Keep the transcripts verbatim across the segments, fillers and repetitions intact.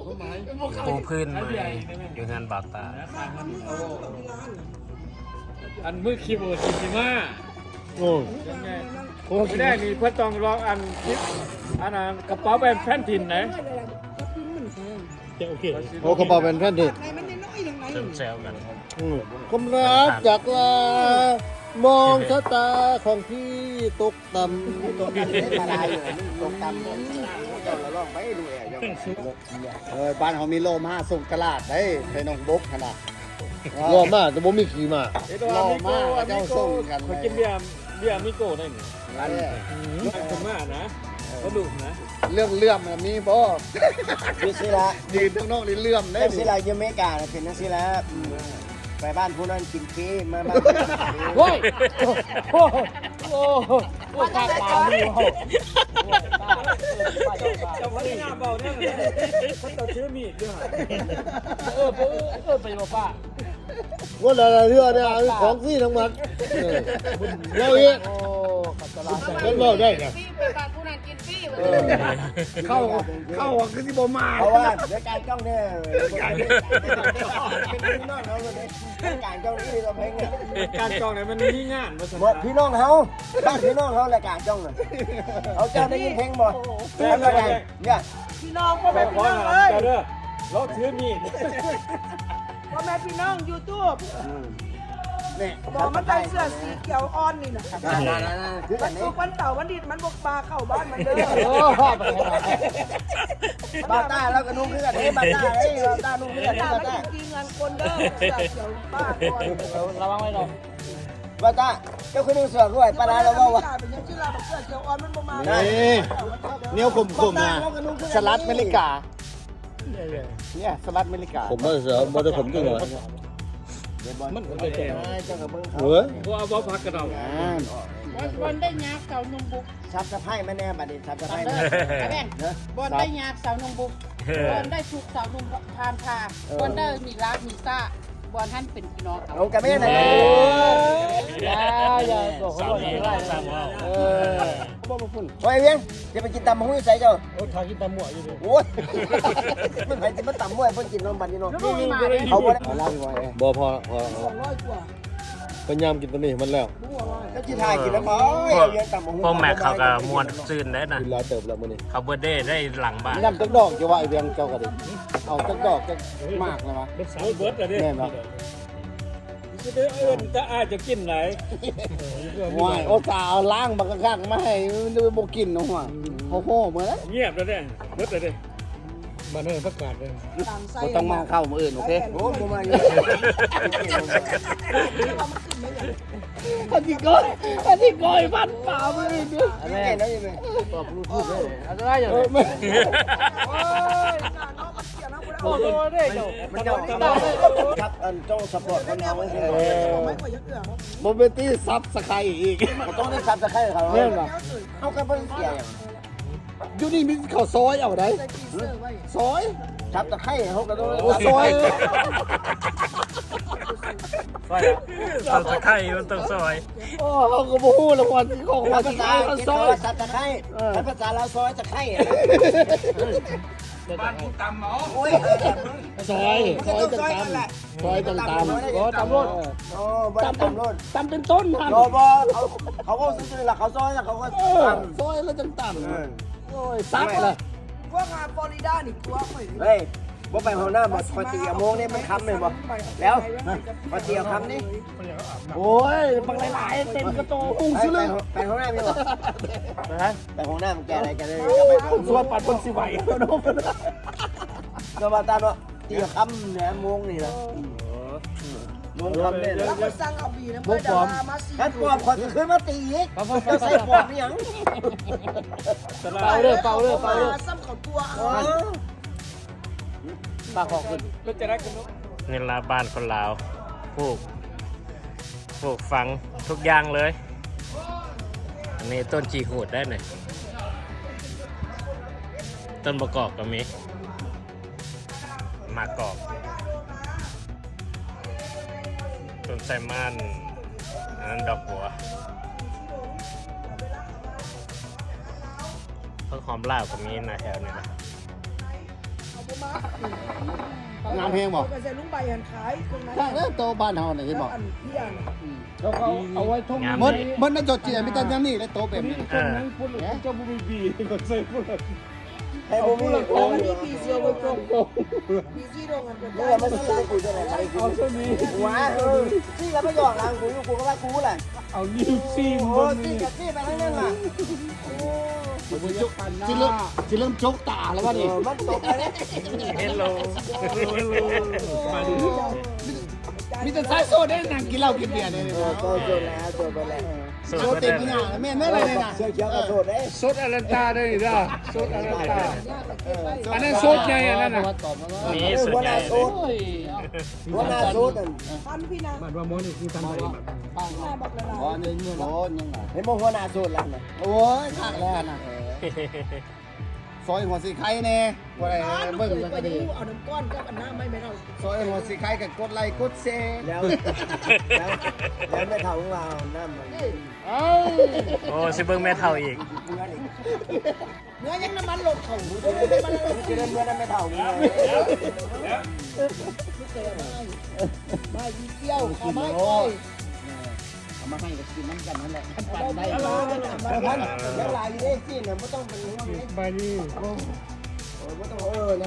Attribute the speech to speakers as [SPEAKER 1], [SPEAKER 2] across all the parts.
[SPEAKER 1] ปูพื้นใหม่อยู่งานบาตา
[SPEAKER 2] อันมือคีย์บอร์ดจิจิมา
[SPEAKER 3] โอ้
[SPEAKER 2] โอ้ไม่ได้มีเพื่อต้องลองอันคิดอันนั้นกระเป๋าแบบแฟนทินไหน
[SPEAKER 3] โอเคโอ้กระเป๋าเป็นแผ่นดิน
[SPEAKER 1] เติมแซวกัน
[SPEAKER 3] คมรักจากลามองชะตาของพี่ตกต่ำตกต่ำอะไรตกต่ำเจ้าละล่องไปดูแอบเออบ้านเขามีโลมาส่งตลาดได้ไปน้องบกขนาดโลมาแต่บ่มีขี่มาโลมาเจ้าส่งกัน
[SPEAKER 2] เขากินเบียร์เบียร์มิโก้ได้หนิอันนี้คนมากนะก็ดุนะ
[SPEAKER 3] เรื่องเลื่อมมีบ่
[SPEAKER 4] นี่สิละ
[SPEAKER 3] ยืนข้างนอกนี่เลื่อมได้
[SPEAKER 4] นี่สิละอยู่อเมริกาเป็นนั่นสิละไปบ้านผู้นั้นกินฟรีมาบ้าน
[SPEAKER 3] โอ้ยโอ้โอ้โอ้ตาตาดีโอ้
[SPEAKER 2] จะมาที่หน้าเบาเนี่ยเขาจะชื่อมีดด้วย
[SPEAKER 3] เออเออเออไปบอกป้าว่าอะไรเรื่องเนี่ยของฟรีทั้งหมดเราเองเป็นเบาได้ไงเข้าเข้าคือที่บ่มา
[SPEAKER 4] เพราะว่าเดี๋ยวการจ้องเนี่ยเป็นพี่น้องเขาเลยการจ้องนี่เราเพลงเนี่ย
[SPEAKER 2] การจ้องเนี่ยมันมีงาน
[SPEAKER 4] มาพี่น้องเขาบ้านพี่น้องเขารายการจ้องเลยเขาเจ้าได้ยินเพลงบ่แล้วก็เนี่ย
[SPEAKER 5] พี่น้องพ่อ
[SPEAKER 2] แม่
[SPEAKER 5] แม่พี่น้องเอ้ย
[SPEAKER 2] เด้อรถถือมีด
[SPEAKER 5] พ่อแม่พี่น้องยูทูบ
[SPEAKER 4] นี่
[SPEAKER 5] บอกมันใส่เสื้อสีเขียวอ่อนนี่นะ
[SPEAKER 4] คืออันนี้
[SPEAKER 5] ทุกวันเสาร์วันอาทิตย์มันบกปลาเข้าบ้านมันเด้อ
[SPEAKER 4] โอ้บาต้าแล้วก็นุ่งคืออันนี้บาต้าเอ้ยบาต้านุ่งคืออันนี้บาต้า
[SPEAKER 5] จริงเงินคนเด้อเสื้อเขียวป้าก่อน
[SPEAKER 4] ระวังไว้หน่อยบาต้าเจ้าคือนุ่งเสื้อด้วยปลาเราบอกว่า
[SPEAKER 5] เป็นยังชื่อเราเสื้อเขียวอ่อนมันบ่มา
[SPEAKER 3] นี่เนี้ยขมๆนะสลัดอเมริกาเนี่ยสลัดอเมริกา
[SPEAKER 1] ผมไม่เสือมันจะผมจริงเหรอ
[SPEAKER 4] มันเป็นไงเจ้ากับเบิ้งเขา
[SPEAKER 3] เฮ้ย
[SPEAKER 2] ว่าเอาพักกระดอง
[SPEAKER 5] บอลได้ยาเสาหนุ่มบุก
[SPEAKER 4] ซับสะไพร่ไม่แน่บัดนี้ซับสะไพร่
[SPEAKER 5] แม่บอลได้ยาเสาหนุ่มบุกบอลได้ถูกเสาหนุ่มพามพาบอลได้มีรักมีซ่าบอลท่านเป็นพี่น้องเขา
[SPEAKER 4] เอากับแม่ไหน
[SPEAKER 3] อย่าอย่าตัวเขาบอกอะไรเออบ่มาพุ่น
[SPEAKER 4] โอ้ยเวียงจะไปกินตำหุ้ยใส่เจ้า
[SPEAKER 3] โอ้ทากินตำหมวอยู่ดิ
[SPEAKER 4] โอ้ยมันใครจะมาตำมวยเพิ่นกินนมบัดนี้เนาะเขาบ่ได้เล่าอยู่ว่า
[SPEAKER 3] บ่พอพอพยายามกินตัวนี้มันแล้ว
[SPEAKER 4] ก็สิถ่ายกินแล้วบ่เวียงตำหุ้ย
[SPEAKER 1] พวกแม็กเขาก็มวนซื่นได้นะ
[SPEAKER 3] กินหลายเติบแล้วมื้อนี้
[SPEAKER 1] เขาเบิร์ดเดย์ได้หลังบ้าน
[SPEAKER 3] น้ำจักดอกจะว่าไอ้เวียงเจ้าก็ดิเอาจักดอกจักมากเลยวะ
[SPEAKER 2] เบิร์ดสาวเบิร์ดเลยดิ
[SPEAKER 3] แม่นบ่
[SPEAKER 2] จะได้เอิ้นจะอาจจะกินไหน
[SPEAKER 3] ว้ายโอ้ตาเอาล้างบักข้างมาให้มันบ่กินเนาะว่าโอ้โหเหมือน
[SPEAKER 2] เงียบแล้วเนี่ยเบิร์ดเลยดิบ้านเฮาประกาศเลย
[SPEAKER 3] บ่ต้องมาเข้ามื้ออื่นโอเค
[SPEAKER 4] โอ้บ่มาอยู่
[SPEAKER 3] อันนี้ก้อยอันนี้ก้อยพันป่ามื้ออื่นเด้อ
[SPEAKER 4] อันนี้เนาะยังไง
[SPEAKER 3] ตอบรู้ทุกเลยอันตรายอย่างนี้
[SPEAKER 5] โอ้ยน้องมันเกี่ยวนะกู
[SPEAKER 3] โอ้โหได้เจ้า
[SPEAKER 4] มันจะครับอันเจ้าซัพพอร์ตคนเฮาไว้สิ
[SPEAKER 3] บ่เป็นที่ซับสไครอีก
[SPEAKER 4] บ่ต้องได้ซับสไครเขาแม่นบ่เฮาก็บ่เสียหยัง
[SPEAKER 3] อยู่นี่มีข้าวซอยเอาได้ซอย
[SPEAKER 4] ซับสไครเฮาก็ต้อง
[SPEAKER 3] ซอย
[SPEAKER 1] ซอยต้องตะไคร้มันต้องซอย
[SPEAKER 3] โอ้เฮาก็บ่ฮู้ละวันของภาษา
[SPEAKER 4] ซอยซับสไครภาษาเราซอยตะไคร้
[SPEAKER 2] บ้านผู้ตำหมอ
[SPEAKER 4] โอ้ย
[SPEAKER 3] ซอยซอยจังตำซอยจังตำก็ตำรถ
[SPEAKER 4] โอ้บ่ตำรถ
[SPEAKER 3] ตำเป็นต้นหั่น
[SPEAKER 4] โอ้บ่เขาเขาก็ซื่อๆล่ะเขาซอยแล้วเขาก็ตำ
[SPEAKER 3] ซอยแล้วจังตำโอ้ยซับล่ะ
[SPEAKER 5] พวกงานฟลอริดานี่กลัวข่อย
[SPEAKER 4] เฮ้ยบ่ไปห้องน้ำบ่ปกติอะโมงนี่มันค้ำเลยบ่แล้วปกติเอาค้ำนี่
[SPEAKER 3] โอ้ยบักหลายๆเต็มกระโตอุ้งซื่อ
[SPEAKER 4] ไปห้องน้ำมีบ่
[SPEAKER 3] นะ
[SPEAKER 4] ไปห้องน้ำแกอะไรกันเลย
[SPEAKER 3] ไปส่วนปัดบนสิไหวเนาะ
[SPEAKER 4] ก็มาตามว่าตีค้ำเนี่ยโมงนี่ล่ะโมงค้ำนี่
[SPEAKER 5] แล้วก็สั่งเอาบีนะเพื่อดารามาซี
[SPEAKER 4] ถ้าปอบขอจะขึ้นมาตีอีกจะใส่ปอบยัง
[SPEAKER 3] เป่าเด้อเป่าเด้อเป่าเด้อ
[SPEAKER 5] ซ้ำเขาตัว
[SPEAKER 3] ปากของขึ้น
[SPEAKER 2] ก็จะได้กันนุ๊ก
[SPEAKER 1] นี่ละบ้านคนลาวปลูกปลูกฝังทุกอย่างเลยอันนี้ต้นจีหูดได้หน่อยต้นประกอบก็มีมากอกต้นไทรมันอันนั้นดอกบัวต้นหอมลาวก็มีนะแถวนี้นะ
[SPEAKER 3] งามแฮงบ่
[SPEAKER 6] ก็จะลุงใบหันขายตรงนั้น
[SPEAKER 3] ถ้าเด้อโตบ้านเฮาน่ะเห็นบ่
[SPEAKER 6] อันพี่อัน
[SPEAKER 2] แล้วเขาเอาไว้ท่อง
[SPEAKER 1] งาม
[SPEAKER 3] มัน
[SPEAKER 1] ดี
[SPEAKER 3] มันน่ะจดเจียมีแต่อย่างนี้และโตแบบนี้
[SPEAKER 1] เออ
[SPEAKER 2] นั้นพูดเลยเจ้าบุบีบีก็ใส่พูดเลย
[SPEAKER 4] ให้ผมมีโอ้
[SPEAKER 6] อัน
[SPEAKER 4] ย
[SPEAKER 6] นี้ปีซีโร่ตรงปีซีโร่กันเป็น
[SPEAKER 4] เมื่อมาซื้อได้กูจะไหนไปกู
[SPEAKER 2] เอาเท่านี้
[SPEAKER 4] ว้าเออซี่แล้วไม่หยอกหลังกูอยู่กูก็ว่ากูแหละ
[SPEAKER 2] เอานิ้วซีม
[SPEAKER 4] โอ้
[SPEAKER 2] บน
[SPEAKER 4] ซี่
[SPEAKER 2] นี้
[SPEAKER 4] กับซี่ไปทั้งนั้นล่ะ
[SPEAKER 3] สิเริ่มสิเริ่มจกตาแล้วว่า
[SPEAKER 4] เอ
[SPEAKER 3] นี่
[SPEAKER 4] อมันตกไปแล้ว
[SPEAKER 1] เฮลโล
[SPEAKER 3] มีแต่สายโซได้นั่งกินเหล้ากินเบียร์เนี่ย
[SPEAKER 4] เออโตจนแล้วโตไปแล้ว
[SPEAKER 1] สุด
[SPEAKER 3] โซ
[SPEAKER 1] มา
[SPEAKER 3] เต็
[SPEAKER 1] เต็
[SPEAKER 3] ม
[SPEAKER 1] ม
[SPEAKER 3] ที่หน้าแม่นแม่อะไรเนี่ยนะ
[SPEAKER 4] เสื้อเขียวกับโตได้
[SPEAKER 2] สดอลันตาได้หรือเปล่าสดอลันตา อันนั้นโซดไงอันนั้นน่ะ
[SPEAKER 3] ตอบมาว่า
[SPEAKER 1] นี่สุด
[SPEAKER 4] หัวห
[SPEAKER 1] ใหญ่
[SPEAKER 4] น้าโซดหัวหน้าโซดนั่น
[SPEAKER 6] พันพี่นะ
[SPEAKER 2] มันว่าโมนี่คือทำอะไรแบบ
[SPEAKER 3] ปัง
[SPEAKER 6] หน้าบอกละลาย
[SPEAKER 3] อ๋อนี่เงินโอ้ยังไง
[SPEAKER 4] เห็นบ่หัวหน้าโซดแล้วน่ะ
[SPEAKER 3] โอ้ยขากแล้วนะซอยหัวสีไข่แน่ว่าอะไร
[SPEAKER 6] อ๋อลูก
[SPEAKER 3] เบิ่ง
[SPEAKER 6] เคย
[SPEAKER 3] กัน
[SPEAKER 6] ไป
[SPEAKER 3] ก็ดี
[SPEAKER 6] ดูเอาน้ำก้อนกับอันน้ำไม่ไม่เรา
[SPEAKER 3] ซอยหัวสีไข่กับกดไลค์กดแชร์
[SPEAKER 4] แล้วแล้วแล้วไม่เท่าของเราน้ำมัน
[SPEAKER 3] เอ้า
[SPEAKER 1] โอ้สิเบิ้งแม่เท่าอีก
[SPEAKER 6] เนื้อยังน้ำมันหลบเขาเนื้อมันหลบ
[SPEAKER 4] จะเดินเมื่อนั้นไม่เท่ามึงเลย
[SPEAKER 6] ไม่ยีเกี้ยวขาไม้ก้อย
[SPEAKER 3] เอามาให้ก็กินน้ำกันนั่นแหละ
[SPEAKER 6] เราไม่เอา
[SPEAKER 4] แล้วพันแล้วลายอยู่ได้สิเนี่ยไม่ต้องเป็นห่วงเลย
[SPEAKER 2] ใบนี้
[SPEAKER 4] เออไม่ต้องเออนะ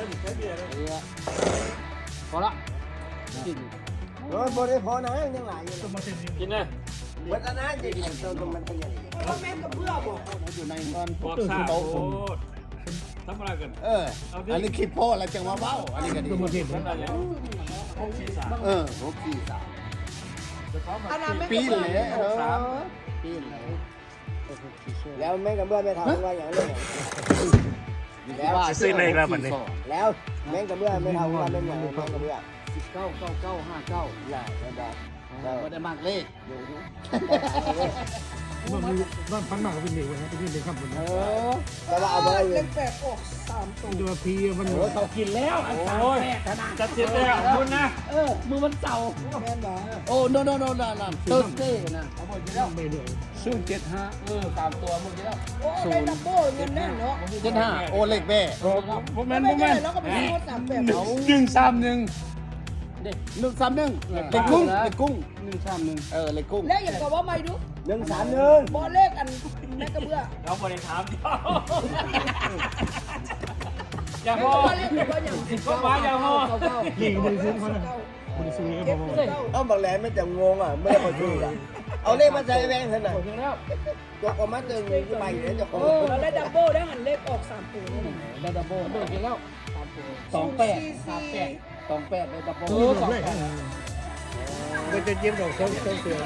[SPEAKER 3] พอละกิน
[SPEAKER 4] โอ้ยบ่ได้พอนะยังหลายอยู่
[SPEAKER 2] กินนะ
[SPEAKER 4] เหมือนอันนั้นจริงๆตรงมันเป็นอย่างนี้
[SPEAKER 6] เพราะแม่กับเพื่อบอก
[SPEAKER 3] อยู่ในก้อน
[SPEAKER 2] บอกซาโอ้ทำอะไรกัน
[SPEAKER 3] เอออันนี้คลิปโพอะไรจังว่าเบ้าอันนี้ก็ดี
[SPEAKER 2] ตัวมาเห็นนั่นอะไรแล้ว
[SPEAKER 3] เออหกสี่สาม
[SPEAKER 6] อันนั้นแม่
[SPEAKER 3] ปี
[SPEAKER 6] กับ
[SPEAKER 3] น
[SPEAKER 6] เพื่อ
[SPEAKER 3] เลยเออปีนเลย
[SPEAKER 4] แล้วแม่กับเมื่อไม่เท่าว่าอย่างนี้แล้ว
[SPEAKER 1] ซื้อเลยแล้วมันนี่
[SPEAKER 4] แล้วแม่กับเมื่อไม่เท่าว่าเป็นอย่างแม่กับเมื่อ
[SPEAKER 3] สิบเก้าเก้าเก้าห้าเก้า
[SPEAKER 4] ใหญ่ระดับ
[SPEAKER 3] ก็ได้มากเลข
[SPEAKER 2] มันมีบ้านพังมากก็เป็นเด็กนะเป็นเด็กข้ามบน
[SPEAKER 3] เอ
[SPEAKER 2] นะ
[SPEAKER 3] อ
[SPEAKER 4] แต่ว่าเอาไปเล
[SPEAKER 6] เล่
[SPEAKER 4] ย
[SPEAKER 6] นแปดออกสามตัว
[SPEAKER 2] ดูพีมัน
[SPEAKER 3] โอ้เขากินแล้วอันสามแปดขนาด
[SPEAKER 2] จะเสียแล้วคุณนะ
[SPEAKER 3] เออมือมันเสา
[SPEAKER 6] แม่นบ่
[SPEAKER 3] โอ้ no no no no no Thursday นะเอาหมดแล้ว
[SPEAKER 2] ไม่เหนื่อย
[SPEAKER 3] ศูนย์เจ็ดห้าเออสามตัวหมดแล้ว
[SPEAKER 6] โอ้ได้ดับเบิ้ลเงินแน่นเนาะ
[SPEAKER 3] เจ็ดห้าโอเล็กแม่
[SPEAKER 2] ผม
[SPEAKER 6] ไม่
[SPEAKER 2] แม่นผม
[SPEAKER 6] ได้
[SPEAKER 2] แม่น
[SPEAKER 6] แล้วก็ไปซื้อสามแปด
[SPEAKER 2] หนึ่งสามหนึ่ง
[SPEAKER 3] เด็กหนึ่งสามหนึ่งเล็กกุ้งเล็กกุ้ง
[SPEAKER 2] หนึ่งสามหนึ่ง
[SPEAKER 3] เออเล็กกุ้ง
[SPEAKER 6] แล้วอย่างกับว่าไม่ดู
[SPEAKER 4] หนึ่งสามหนึ่ง
[SPEAKER 6] บอลเลขอันแม่กับเพื่อ
[SPEAKER 2] เราบริถามอย่า
[SPEAKER 6] แม่
[SPEAKER 2] พอ
[SPEAKER 6] กับว่าเลขกับว่าอย่าง
[SPEAKER 2] ก็มาอย่าพอ
[SPEAKER 3] เก้า
[SPEAKER 2] หลีกบริสุทธิ์เขานะบริสุทธิ์
[SPEAKER 6] เจ็
[SPEAKER 2] ก็
[SPEAKER 6] ด
[SPEAKER 2] พอ
[SPEAKER 6] เก้า
[SPEAKER 4] เอาบางแหลมไม่จะงงอ่ะไม่ได้มาดูอ่ะเอาเลขมาใส่แบงค์เท่านั้นยกออกมาตึงที่ใบเนี่ยจะคง
[SPEAKER 6] เราได้ดับเบิ้ลได้หันเลขออกสามตัวนี่
[SPEAKER 3] ได้ดับเบิ้ลดับเบิ้ลกินแล้วสองแปดสามแปดสองแปดได้ดับเบิ้ล
[SPEAKER 2] เออสองแปดมันจะยิ้มดอกส้มส้มเสือ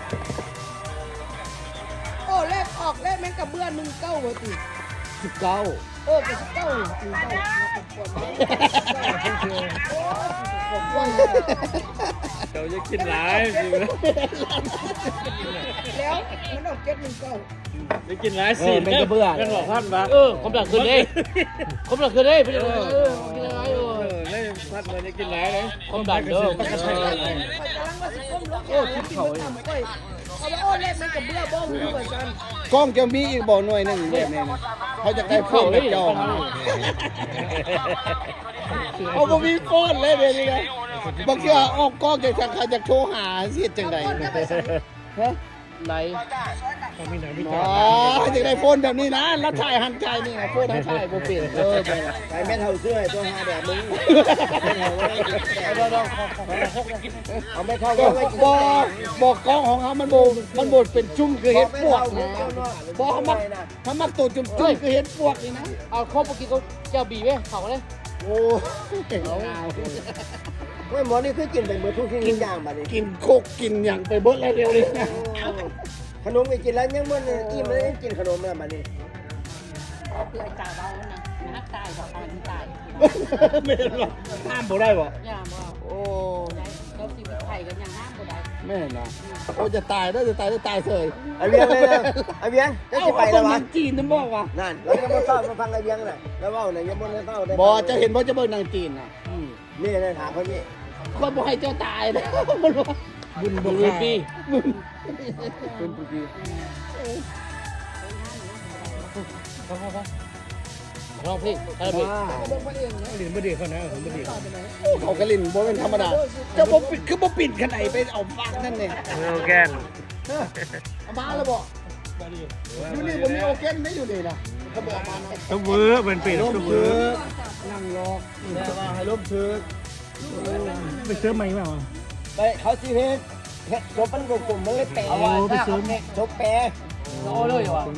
[SPEAKER 6] โอ้เลขออกเลขแม่กับเบื้อหนึ่งเก้าหัวตี
[SPEAKER 3] สิบเก้า
[SPEAKER 6] เออเป็นเก้าตีเก้าผมว่า
[SPEAKER 2] เดี๋ยวจะกินหลายสิ
[SPEAKER 6] แล้วมันออกเจ็ดหนึ่งเก้า
[SPEAKER 2] จะกินหลายสิเป็นบอกพันบาท
[SPEAKER 3] เออผมหลักคืนเลยผมหลักคืนเลยพี่เออเออกินอะไรเออ
[SPEAKER 2] เออเลยพันมาจะกินหลายเลย
[SPEAKER 3] ผมดันเด้อ
[SPEAKER 6] คอยกำลังว่าสิก้มลงโอ้คิดเขาเลยเขาว่าโอ้เลขแม่กับเบื้อบ้องมือเหมือนกัน
[SPEAKER 3] กล้องจะมีอีกบ่อหน่วยหนึ่งแบบนี้นะเขาจะได้เข้าแบบเจ้าเอาบ่มีโฟนเลยเดี๋ยวนี้นะบางทีออกกล้องจะใครจะโทรหาเสียจังไดฮะไหน
[SPEAKER 2] มีไหนมี
[SPEAKER 3] อ๋
[SPEAKER 2] จา
[SPEAKER 3] อจะได้โฟนแบบนี้นะแล้วถ่ายหันใจนี่นะโฟนหันถ่ายบ่เปลี่ยนเออไปละ
[SPEAKER 4] ใส่แม่เท่าเสื้อตัวห้าแบบมึงเอาไม่เท่า
[SPEAKER 3] ก็
[SPEAKER 4] ก็ไม่กิน
[SPEAKER 3] บ่บอกกล้องของเขามันบ่มันบ่เป็นจุ่มคือเห็ดปวกนะบ่เขามักเขามักตัวจุ่มๆคือเห็ดปวกนี่นะ
[SPEAKER 7] เอาข้าวปกินก็เจ้าบีไว้เขาเลย
[SPEAKER 3] โอ้เอา
[SPEAKER 4] เฮ้ยหมอนี่คือกินเป็นเบอร์ทุกสิ่งทุกอย่างบัดนี้
[SPEAKER 3] กินโคกกินอย่างไปเบิดแล้วเร็วเลยนะ
[SPEAKER 4] ขนมก็กินแล้วยังมันอิ่มแล้วยังกินขนมแล้วบัดนี้
[SPEAKER 7] คือไอ้จ่าเบานะนักตายบอกตายมันตาย
[SPEAKER 3] ไม่หรอกห้ามบ่ได้บ่
[SPEAKER 7] ย่าบอก
[SPEAKER 3] โอ้
[SPEAKER 7] เขาชีวิตไทยกันอย่างห้ามบ่ได้
[SPEAKER 3] แม่นะโอ้จะตายได้จะตายได้ตายเสย
[SPEAKER 4] ไอเบียงเลยนะไอเบียงจะสิไปแล้ววะ
[SPEAKER 3] จีนนั่นบอกว่า
[SPEAKER 4] นั่นเราจะมาเฝ้ามาฟังไอเบียงน่ะแล้วว่าน่ะยังบ่ได้เฝ้าได้
[SPEAKER 3] บ่จะเห็นบ่จะเบิ่งนางจีนน่ะ
[SPEAKER 4] นี่นะถามคนนี้
[SPEAKER 3] คนบ่ให้เจ้าตายนะมันว่า
[SPEAKER 2] บุญบุญ
[SPEAKER 3] บุญ
[SPEAKER 2] ปี
[SPEAKER 3] ปีบุญบุญปี
[SPEAKER 1] ร้องเพลงคาราโอเกะ
[SPEAKER 2] ลินบ่ดีเขานะผมบ่ดี
[SPEAKER 3] เขากระลินบ่เป็นธรรมดาจะบ่ปิดคือบ่ปิดกันไหนไปเอาฟังนั่นเอง
[SPEAKER 1] โอแกน
[SPEAKER 3] เอามาแล้วบ่อยู่นี่บ่มีโอเคนได้อยู่นี่นะเขาบอกมา
[SPEAKER 2] ต้องเวอร์เป็นปี
[SPEAKER 3] ล้ม
[SPEAKER 2] ต้องเว
[SPEAKER 3] เชื
[SPEAKER 2] อ
[SPEAKER 3] อ
[SPEAKER 2] ร์
[SPEAKER 3] นั่งรอแต่ว่าให้ล้มเชือก
[SPEAKER 2] ไปเสื้อใหม่มา
[SPEAKER 4] ไปเขาสิเฮ็ดเฮ็ดจบมันกลมๆมันเลยแปะเอาไว้ถ้าเขาเฮ็ดจบแปะโอ้เลยว่ะ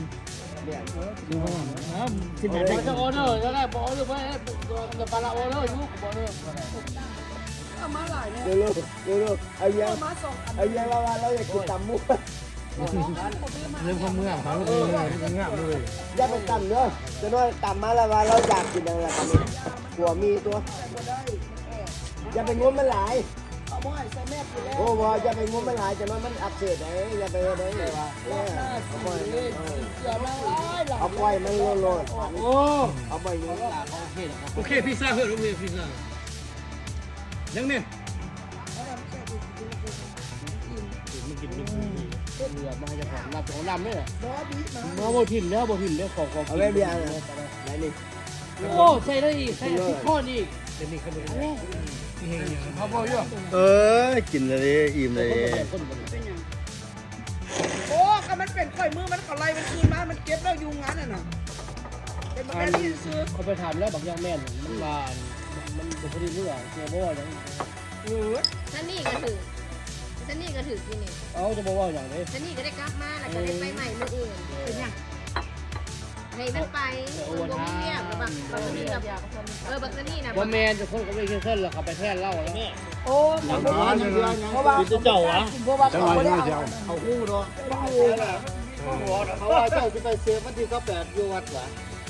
[SPEAKER 2] ที่ไหน
[SPEAKER 5] เขาจะออเดอร์จะได้บอกออเดอร์ไปจะปลาออเดอร์ยุกบอกเลย
[SPEAKER 4] เร็วๆเร็วๆไอ้ยังไอ้ยังเราเราอยากกินตำมุก
[SPEAKER 2] เรื่องความเมื่อเขาเลยงามเลย
[SPEAKER 4] อย่าไปตำเด้อจะน้อยตำมาแล้วว่าเราอยากกินอะไรกันนี่หัวมีตัวอย่าไปงมมันหลายโอ้บ่อย่าไปงมมันหลายจะน้อยมันอักเสบไอ้อย่าไปได้เลยว่าเอาไปเอาไปมันโลด
[SPEAKER 2] โอ้
[SPEAKER 4] เอาไปอยู่
[SPEAKER 2] โอเคพิซซ่าเพื่อนโอเคพิซซ่ายังเนี่ย
[SPEAKER 3] รับของนำเนี่ยมาบ่ถิ่นแล้วบ่ถิ่นแล้วของของ
[SPEAKER 4] เอาไว้เบียร์นะไหนนี่
[SPEAKER 5] โอ้ใส่ได้อีกใส่ทุกข้อนี่
[SPEAKER 2] เดี๋ยวนี้เขาดู
[SPEAKER 3] เขาบ่อยู่เออกินเลยอิ่มเลย
[SPEAKER 6] โอ้ก็มันเป็นข่อยมือมันก็ไล่มันคืนมามันเก็บแล้วอยู่งั้นน่ะนะเป็นแบบนี้ซื้อ
[SPEAKER 3] เขาไปถามแล้วบางอย่างแม่นมันว่ามันเป็นคนที่เมื่อเชื่อบ่อย่าง
[SPEAKER 6] เออ
[SPEAKER 7] ฉันนี่ก็ถือฉันนี่ก็ถือกินนี่
[SPEAKER 3] เอาจะบ่ว่าอย่างนี้
[SPEAKER 7] ฉันนี่ก็ได้กลับมาแล้วก็ได้ไปใหม่เมื่ออื่นเป็นยังให้มันไปมันบ่มีเงียบแล้วบักบักนี่กับเออบักนี่นะ
[SPEAKER 3] ว่าแม่จะคนก็ไม่เช่นแล้วเขาไปแท่นเล่าแล้ว
[SPEAKER 4] โอ้ยเพราะว่า
[SPEAKER 3] เจ้าวะ
[SPEAKER 4] เพราะว่าเขาไม่ได้เอา
[SPEAKER 3] เขาคู่เนาะเขาว่าเจ้าจะไปเซฟวันที่สิบแปดอยู่วัดวะ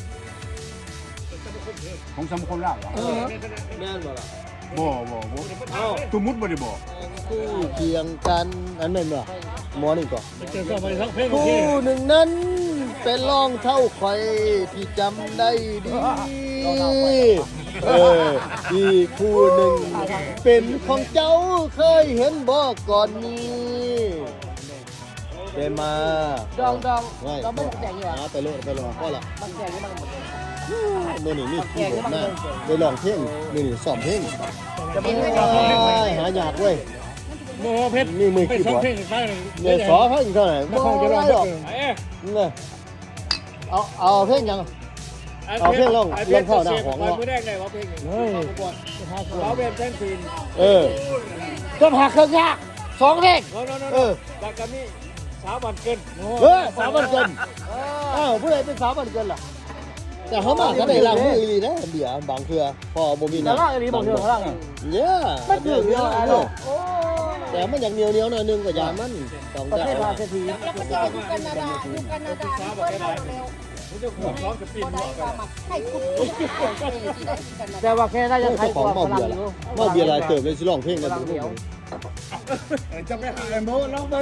[SPEAKER 2] ของสมคมล่าว
[SPEAKER 3] แม่นบ่ล่ะ
[SPEAKER 2] บ่บ่บ่ตุ้มุดบ่ได้บ่
[SPEAKER 3] คู่เคียงกันอันนั้นบ่หมอนี่ก่อน
[SPEAKER 2] เจอกันไปทั้งเพลงโอเค
[SPEAKER 3] คู่หนึ่งนั้นเป็นรองเท่าไข่ที่จำได้ดีเอออีกคู่หนึ่งเป็นของเจ้าเคยเห็นบ่ก่อนนี้เป็นมา
[SPEAKER 5] ดองดอง
[SPEAKER 3] ไม่
[SPEAKER 5] เราไม่แต่งเหรอ
[SPEAKER 3] หาไปเลยไปรอก็ละ
[SPEAKER 5] มันแต่งนี่มันหมด
[SPEAKER 3] เมื่อนี่นี่ขี้หมดหน้าไปลองเพลงมื่อนี่สอบเพลง
[SPEAKER 7] จะเป็นไม่ได้
[SPEAKER 3] หาอยากเว้ย
[SPEAKER 2] โมเพชร
[SPEAKER 3] นี่มือ
[SPEAKER 2] ไป
[SPEAKER 3] ขี้
[SPEAKER 2] สอง
[SPEAKER 3] บอด
[SPEAKER 2] เพลงไปเลย
[SPEAKER 3] เนี่ยสอเขาอีกเท่าไหร่
[SPEAKER 2] นครจะร้อง
[SPEAKER 3] หรอก
[SPEAKER 2] เอ๊ะ
[SPEAKER 3] เนี่ยเอาเอาเพลงยัง เอาเพลงลงลงเข้าหน้าของ
[SPEAKER 2] เรา
[SPEAKER 3] เนาะ
[SPEAKER 2] ไม่ได้ไงว่าเพลงนี้
[SPEAKER 3] เฮ้ย
[SPEAKER 2] เราเป็นแฟนทีม
[SPEAKER 3] เออก็พาเครื่องยากสองเพลง
[SPEAKER 2] โน้โน้
[SPEAKER 3] เอ
[SPEAKER 2] โน้
[SPEAKER 3] อ
[SPEAKER 2] จากกันนี่สาวบันเกิน
[SPEAKER 3] เออสามวันเกินอ้าวผู้ใดเป็นสามวันเกินล่ะแต่เขามาก็ได้ล้างมืออีหลีนะเบียร์บางเทื่อพอบ่มีน้ำ
[SPEAKER 5] แต่ล่างอันนี้บอกเธอล่าง
[SPEAKER 3] เนี่ย
[SPEAKER 5] ไม่ถึงเนาะ
[SPEAKER 3] แต่มันอย่างเหนียวเหนียวหน่อยนึงก็ยามันต้อง
[SPEAKER 5] ประ
[SPEAKER 3] ได้
[SPEAKER 5] เทศมาเศรษฐี
[SPEAKER 7] แล้วก็จะอยู่แคนาดาอยู่แคนาดาเพิ่มมาเร็ว
[SPEAKER 2] ผมจะขอร้องกับปีน
[SPEAKER 7] บ่ได้ว่ามาให้คุณที่ได้กันนะ
[SPEAKER 5] แต่ว่าแค่ได้ยังไทย
[SPEAKER 3] เจ้าก ของ
[SPEAKER 5] ว่า
[SPEAKER 3] เมา
[SPEAKER 5] ฝ
[SPEAKER 3] เบี
[SPEAKER 5] รั่
[SPEAKER 3] ย
[SPEAKER 5] ง
[SPEAKER 3] ร์
[SPEAKER 5] อ
[SPEAKER 3] ละ
[SPEAKER 5] ยู่
[SPEAKER 3] เมาเบียร์หลายเติบเลยสิร้องเพลงกันดู
[SPEAKER 2] จะไปหาไอ้โมร้องไป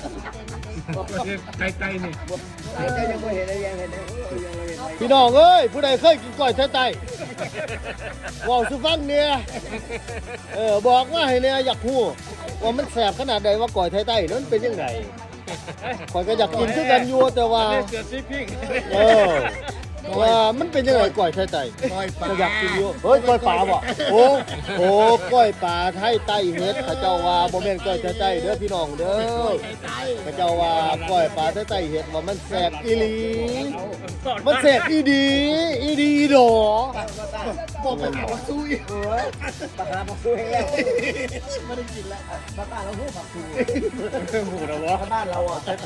[SPEAKER 2] ไกลไกลนี่
[SPEAKER 4] ยังไม่เห็นอะไรยังเห็นยังเห็น
[SPEAKER 3] พี่น้องเอ้ยผู้ใดเคยกินก้อยไทยไต้ว้าวสุฟังเนี่ยเออบอกว่าให้เนี่ยอยากฮู้ว่ามันแสบขนาดใดว่าก้อยไทยไต้นั้นเป็นยังไงข่อยก็อยากกินคือกันอยู่แต่ว่า
[SPEAKER 2] เสือซีพิง
[SPEAKER 3] เออว่ามันเป็นยังไงก้อยไทยไต้ก็อยากกินอยู่เฮ้ยก้อยป่าบ่โอ้โหก้อยป่าไทยไต้เฮ็ดเขาเจ้าว่าบ่แม่นก้อยไทยไต้เด้อพี่น้องเด้อเขาเจ้าว่าก้อยป่าไทยไต้เฮ็ดว่ามันแซ่บอีหลีมันแซ่บอีดีอีดีอีดอบ่เป็นหมอซุย
[SPEAKER 4] ปากกาปากสู้ให้แล้ว
[SPEAKER 3] ไม่ได้กินแล้ว
[SPEAKER 4] ปากกาเราพูดปากสู้
[SPEAKER 2] หมูนะวะ
[SPEAKER 4] บ้านเราอ่ะใช่ใจ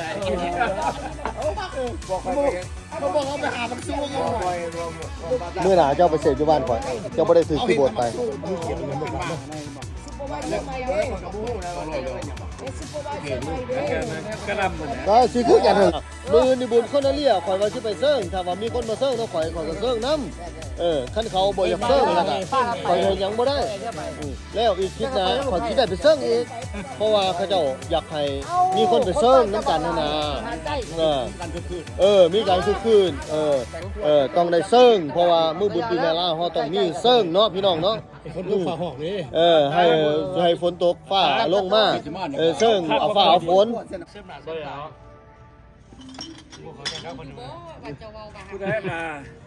[SPEAKER 4] บอกไป
[SPEAKER 3] เขาบอกเขาไปหาบักซูกัน
[SPEAKER 4] บ่อยบ่
[SPEAKER 3] เมื่อหนาเจ้าไปเสพอยู่บ้านก่อนเจ้าบ่ได้ถือคีย์บอร์ดไป
[SPEAKER 2] กระลำเหมือน
[SPEAKER 3] ก็สิคือกันเถอะมือนี่บุญคนละเลี่ยข่อยว่าสิไปเซิงถ้าว่ามีคนมาเซิงเนาะข่อยข่อยก็เซิงนํเออคันเขาบ่อยากเซิงแล้วก็ข่อยยังบ่ได้อือแล้วอีกคิดนะข่อยคิดได้ไปเซิงอีกเพราะว่าเขาเจ้าอยากให้มีคนไปเซิงนํกันนะนะเออเออมีการคึกคืนเออเออต้องได้เซิงเพราะว่ามื้อบุญปีแม่ลาเฮาต้องมีเซิงเนาะพี่น้องเนาะ
[SPEAKER 2] คนลูกฝาหอกนี่
[SPEAKER 3] เออให้ให้ฝนตกฟ้าลงมาเออเซิงเอาฟ้าเอาฝน
[SPEAKER 2] ก็แล้ว
[SPEAKER 7] ว่าจะเว้าว่า
[SPEAKER 2] ผู้ได้มา